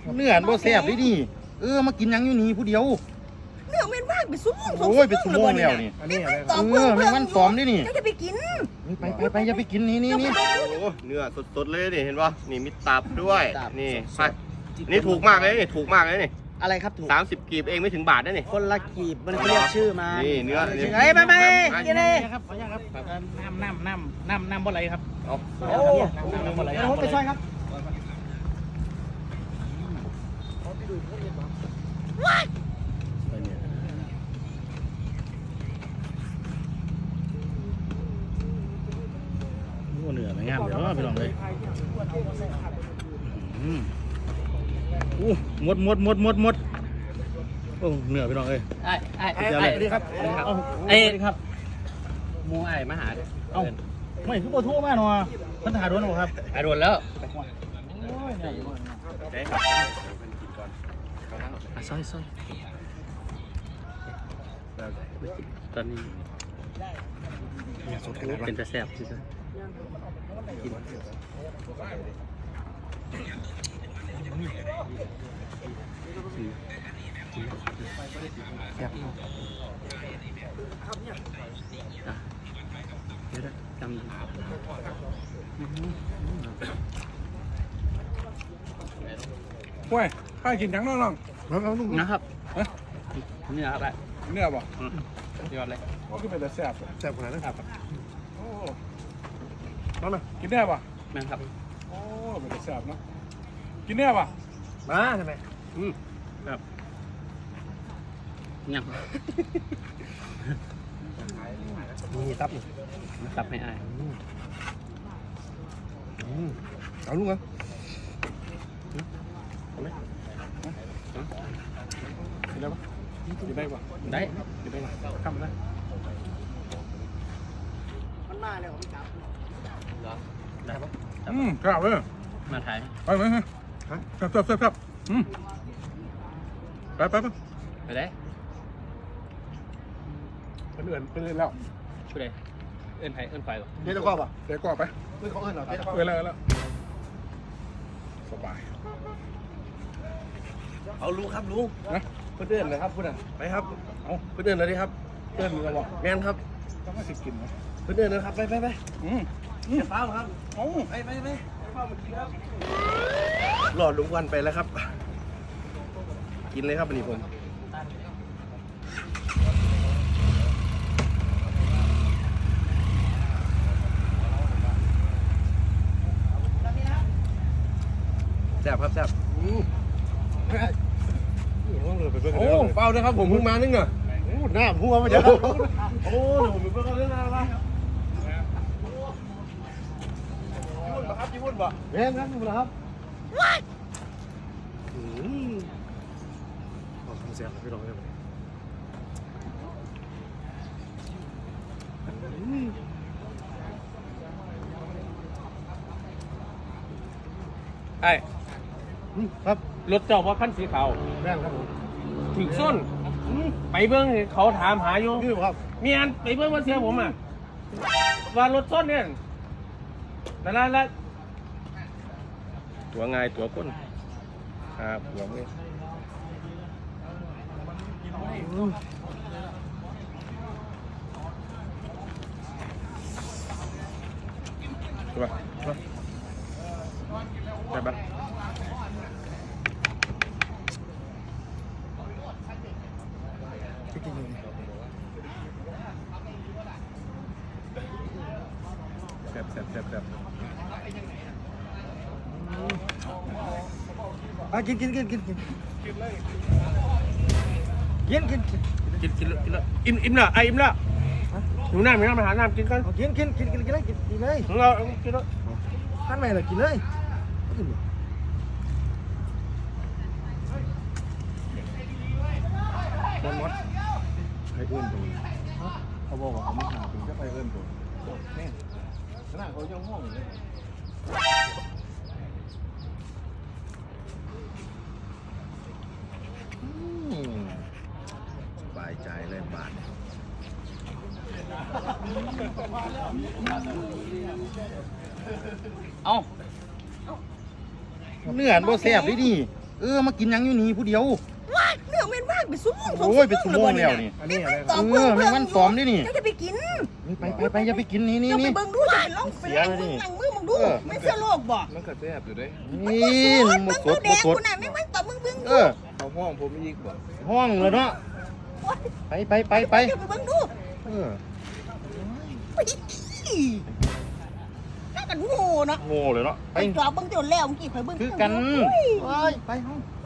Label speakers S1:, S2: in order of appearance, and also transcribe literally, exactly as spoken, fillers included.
S1: เนื้อบ่แซ่บดิดิเออมากินยังอยู่นี่ผู้เดียว
S2: เนื้อเม็นว่างไปซุ้มโ
S1: อ้ยไปซุ้มแล้วนี่
S2: อันนี้อะไรเอ
S1: อไม่มันตอมดินี่
S2: จะไปกิน
S1: ไปไปไปอย่าไปกินนี่นี่นี่
S3: โอ้เนื้อสดๆเลยนี่เห็นป่ะนี่มีตับด้วยนี่ไปนี่ถูกมากเลยนี่ถูกมากเลยนี่
S4: อะไรครับถูก
S3: สามสิบกีบเองไม่ถึงบาทนะนี่
S4: คนละกีบมันเรียกชื่อมา
S3: นี่เนื้อ
S4: เฮ้ยไปไปกินเลย
S5: ครับขออนุญาตครับน้ำน้ำน้ำน้ำน้ำบ่ไหลครับ
S3: เอา
S4: โอ้น้ำบ่ไหลผมไปช่วยครับ
S5: เนื้อไม่งามเดี๋ยวไปลองเลยอู้หมดหมดหมดหมดหมดโอ้เนื้อไปลองเลย
S4: ไอ้ไอ้ไอ้ดีครับไอ้ครับมูไอ้มาหา
S5: เอ้าไม่คือโบทั่วมากเนาะพันธาโดนหรอครับ
S4: ไอ้โดนแล้วซอยซอยตอนนี้เป็นแต่แซ่บที่สุดกินแซ่บเดี๋ยวจำ
S6: ห้วยข้ากินยังน้องน้อง
S4: นะครับนี่อะไร
S6: เนื้อป่ะ
S4: ยอดเลย
S6: ก็คือเป็นแต่แซ่บ
S1: แซ่บขนาดนั้นครับ
S6: โอ้น้องนะกินเนื้อป่ะ
S4: แม่ครับ
S6: โอ้เป็นแต่แซ่บเนาะกินเนื้อป่ะ
S1: มาทำไม
S4: อืมครับยัง
S1: มีตับนี่
S4: ตับไม่อาย
S1: เอาลูกเหรอ
S6: กินได้ป่ะกินได้ป่ะ
S4: ได้
S6: กินได้ป่ะทำได้
S4: มันมาเลยผมจับได้ป่ะ
S6: อืมกล้าเลย
S4: มาถ่าย
S6: ไปไหมฮะแซ่บแซ่บแซ่บแซ่บอืมไปไปไป
S4: ไปได้
S6: เป็นเอื่นเป็นเอื่นแล้ว
S4: ช่วยได้เอื่นไผ่เอื่นไฟหรอ
S1: เดี๋ยวก็ป่ะ
S6: เดี๋ยวก็ไป
S1: เรื่องของเอิญเหรอเดี๋ยวก็
S6: เอื่นแล้วแล้วสบาย
S3: เอาลุงครับลุง
S6: นะ
S3: เพื่อนเดินเลยครับคุณอ่ะไปครับ
S6: เอา
S3: เพื่อนเดินเลยดิครับ
S6: เอื่นแล้วบ่
S3: แมนครับ
S6: ต้องมาสิกินนะ
S3: เพื่อนเดินเลยครับไปไปไป
S6: อืม
S3: จะเป้าครับ
S6: โอ้
S3: ไปไปไปเป้ามากินครับหลอดลุงวันไปแล้วครับกินเลยครับวันนี้ผมแซ่บครับแซ่บโอ้เปล่านะครับผมเพิ่งมานึงอ่ะ
S1: หน้าหัวมาจาก
S3: โอ้เดี๋ยวผมไปเพิ่งเรื่องอะไรญี่ปุ่นป่ะครับญี่ปุ่นป่ะ
S1: แม่ครับนี่เหรอครับอืมเอาทำเสียงพี่ลองได้ไหม
S5: ไอ้
S1: ครับ
S5: รถเจ้าว่าขั้นสีขาว
S1: แม่ครับผม
S5: ถึงส้นไปเบิ้งเขาถามหาอยู่
S1: นี่ครับ
S5: มีอันไปเบิ้งมาเสียผมอ่ะว่ารถส้นเนี่ยนั่นนั่นนั่น
S3: ตัวไงตัวก้นครับหัวมือใช่ป่ะใช่ป่ะแซ่บแซ่บแซ่บแซ่บ
S1: อ่ะกินกินกินกินกินกินเลยกินกินกิน
S5: กินกินกินแล้วอิ่มอิ่มละไอ้อิ่มละหนูน้ำหนูน้ำไปหาน้ำกินกัน
S1: กินกินกินกินกินเลยกินกินเลย
S5: เรากินแล้ว
S1: ท่านแม่เลยกินเลยกินมดมดให้เอื้อนตัวเขาบอกว่าเขาไม่หาถึงจะไปเอื้อนตัวนี่ขนาดเขายังห้องเลย
S3: สบายใจเลยบาท
S4: เอา
S1: เนื้อบ่แซ่บดิดิ
S5: เออมากินหยังอยู่นี่ผู้เดียว
S2: ว้ายเนื้อแม่นมากเป็นชั่วโมงสอง
S5: โอ้ยเป็นชั่วโมงแล้วนี่
S1: อันนี้อะไรค
S2: ต
S1: รับ
S2: อม
S5: เออแม่งวันตอมนี่นี่
S2: เจ้าจะไปกิน
S5: ไปไปไปอย่าไปกินนี่นี่
S2: เจ้าไป
S5: นี่
S2: เบิ่งดูจะไปลองไปลองมึงนั่งมือมึงดูไม่เชื่อโลกบ่
S1: มันก็แซ่บอยู่เด้
S5: นี่มึง
S2: มึ
S5: มาง ส
S2: ดู
S5: ด
S2: แด
S5: มาง สด
S2: กูน่ะแม่งมันตอมมึงเบิ่ง
S5: เอ
S2: ดู
S5: อ
S1: เขาห้องผมอีกบ่
S5: ห้องเลยเนาะ
S2: โอ๊ย
S5: ไปไปไปไป
S2: เจ้าไปเบิ่งดู
S5: เออ
S2: ไปน่ากันโง่เนาะ
S5: โง่เลยเนาะไป
S2: ไปจอบเบิ่งเจ้าแล้วเมื่อกี้ข่อยเบิ่ง
S5: คือกัน
S2: โอ้ย
S5: ไปไปห้อง